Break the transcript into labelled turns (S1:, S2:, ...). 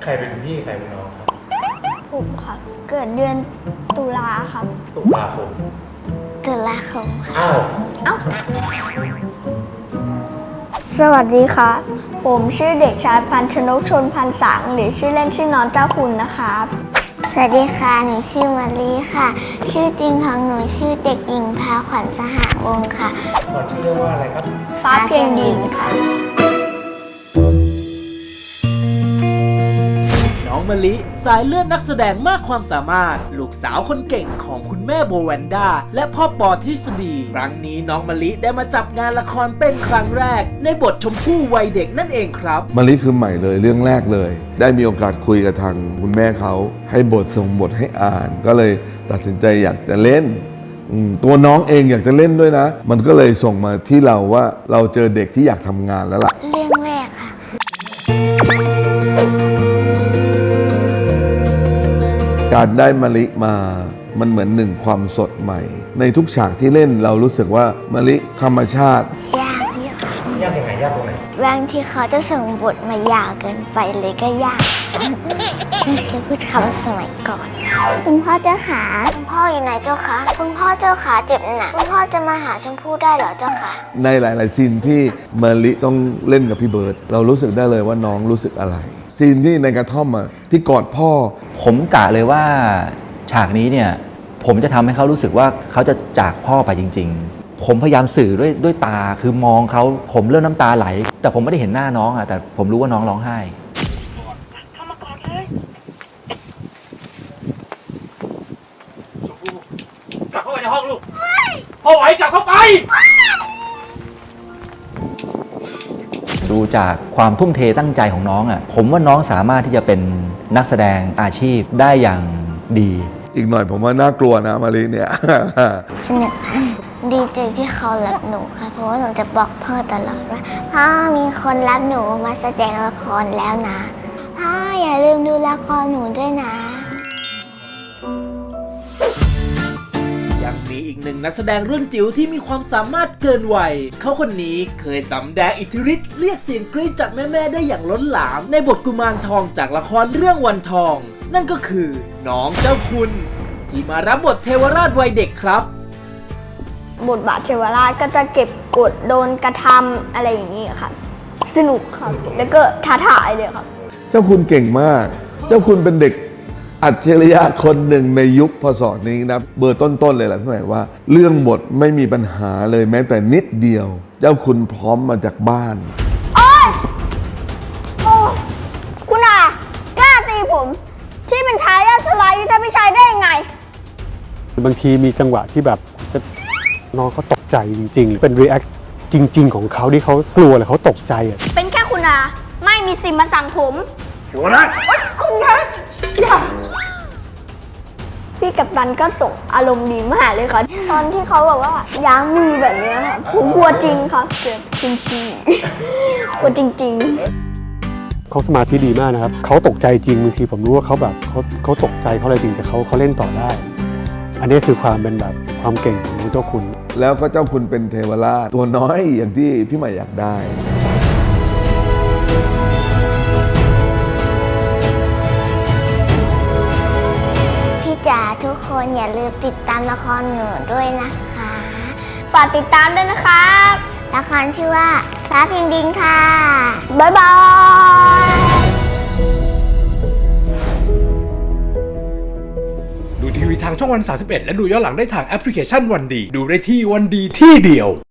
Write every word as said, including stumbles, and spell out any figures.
S1: รเป็นพี่ใครเป็นน้องครับ
S2: ผมครับเกิดเดือนตุลาครับ
S1: ตุลาคม
S2: ตุลาคม
S1: อ้าว
S2: เอ้าสวัสดีครับผมชื่อเด็กชายพันชนกชนพันสังหรือชื่อเล่นชื่อน้องเจ้าคุณนะครับสวัสดีค่ะหนูชื่อมารีค่ะชื่อจริงของหนูชื่อเด็กหญิงพาขวัญสหวงศ์ค่ะ
S1: ก่อนชื่อเรียกว่าอะไรครับ
S2: ฟ้าเพียงดินค่ะ
S3: น้องมะลิสายเลือดนักแสดงมากความสามารถลูกสาวคนเก่งของคุณแม่โบแวนด้าและพ่อปอทฤษฎีครั้งนี้น้องมะลิได้มาจับงานละครเป็นครั้งแรกในบทชมพู่วัยเด็กนั่นเองครับ
S4: มะลิคือใหม่เลยเรื่องแรกเลยได้มีโอกาสคุยกับทางคุณแม่เขาให้บทส่งบทให้อ่านก็เลยตัดสินใจอยากจะเล่นตัวน้องเองอยากจะเล่นด้วยนะมันก็เลยส่งมาที่เราว่าเราเจอเด็กที่อยากทำงานแล้วล่ะ
S2: เรื่องแรกค่ะ
S4: การได้มะลิมามันเหมือนหนึ่งความสดใหม่ในทุกฉากที่เล่นเรารู้สึกว่ามะลิธรรมชาติ
S2: ยากที่ค่ะ
S1: ยากยังไงยากตรงไหน
S2: บางทีเขาจะส่งบทมายาวเกินไปเลยก็ยากไม่เคยพูดคำสมัยก่อนคุณพ่อเจ้าขาคุณพ่ออยู่ไหนเจ้าคะคุณพ่อเจ้าขาเจ็บหนักคุณพ่อจะมาหาชมพู่ได้เหรอเจ้าคะ
S4: ในหลายๆซีนที่มะลิต้องเล่นกับพี่เบิร์ดเรารู้สึกได้เลยว่าน้องรู้สึกอะไรซีนที่ในกระท่อมอ่ะที่กอดพ่อ
S5: ผมกะเลยว่าฉากนี้เนี่ยผมจะทำให้เขารู้สึกว่าเขาจะจากพ่อไปจริงๆผมพยายามสื่อด้วยด้วยตาคือมองเขาผมเริ่มน้ำตาไหลแต่ผมไม่ได้เห็นหน้าน้องอะแต่ผมรู้ว่าน้องร้องไห้
S1: เข้ามาก่อนเลยชมพู่กลับเข้าไปในห้องลูกพ่อไหวกลับเข้าไป
S5: ดูจากความทุ่มเทตั้งใจของน้องอ่ะผมว่าน้องสามารถที่จะเป็นนักแสดงอาชีพได้อย่างดี
S4: อีกหน่อยผมว่าน่ากลัวนะมารีเนี่ย
S2: สนุกดีใจที่เขารับหนูค่ะเพราะว่าหนูจะบอกพ่อตลอดว่าพ่อมีคนรับหนูมาแสดงละครแล้วนะพ่ออย่าลืมดูละครหนูด้วยนะ
S3: ยังมีอีกหนึ่งนักแสดงรุ่นจิ๋วที่มีความสามารถเกินวัยเขาคนนี้เคยสำแดงอิทธิฤทธิ์เรียกเสียงกรี๊ดจากแม่ๆได้อย่างล้นหลามในบทกุมารทองจากละครเรื่องวันทองนั่นก็คือน้องเจ้าคุณที่มารับบทเทวราชวัยเด็กครับ
S2: บทบาทเทวราชก็จะเก็บกดโดนกระทำอะไรอย่างนี้ค่ะสนุกครับแล้วก็ท้าทายเลยครับ
S4: เจ้าคุณเก่งมากเจ้าคุณเป็นเด็กอัจฉริยะคนหนึ่งในยุคพศนี้นะเบอร์ต้นๆเลยแหละพี่หมายว่าเรื่องบทไม่มีปัญหาเลยแม้แต่นิดเดียวเจ้าคุณพร้อมมาจากบ้าน
S2: โอ๊ยโอ้คุณอากล้าตีผมที่เป็นทายาทสลายยุทธพิชัยได้ยังไง
S6: บางทีมีจังหวะที่แบบน้องเขาตกใจจริงๆเป็นรีแอคจริงๆของเขาที่เขากลัวหรือเขาตกใจอ่ะ
S2: เป็นแค่คุณอาไม่มีสิทธิ์มาสั่งผม
S1: ถือว่าได้
S2: คุณนะอย่าพี่กัปตันก็ส่งอารมณ์ดีมากเลยค่ะตอนที่เขาบอกว่าย้างมือแบบนี้ค่ะผมกลัวจริงค่ะเกือบซินชีกลัวจริงๆ
S6: เขาสมาธิดีมากนะครับเขาตกใจจริงบางทีผมรู้ว่าเขาแบบเขาเขาตกใจเขาอะไรจริงแต่เขาเขาเล่นต่อได้อันนี้คือความเป็นแบบความเก่งของเจ้าคุณ
S4: แล้วก็เจ้าคุณเป็นเทวราชตัวน้อยอย่างที่พี่ใหม่อยากได้
S2: พี่จ๋าทุกคนอย่าลืมติดตามละครหนูด้วยนะคะฝากติดตามด้วยนะครับละครชื่อว่าฟ้าเพียงดินค่ะบ๊ายบาย
S7: ดูทีวีทางช่องวันสามสิบเอ็ดและดูย้อนหลังได้ทางแอปพลิเคชันวันดีดูได้ที่วันดีที่เดียว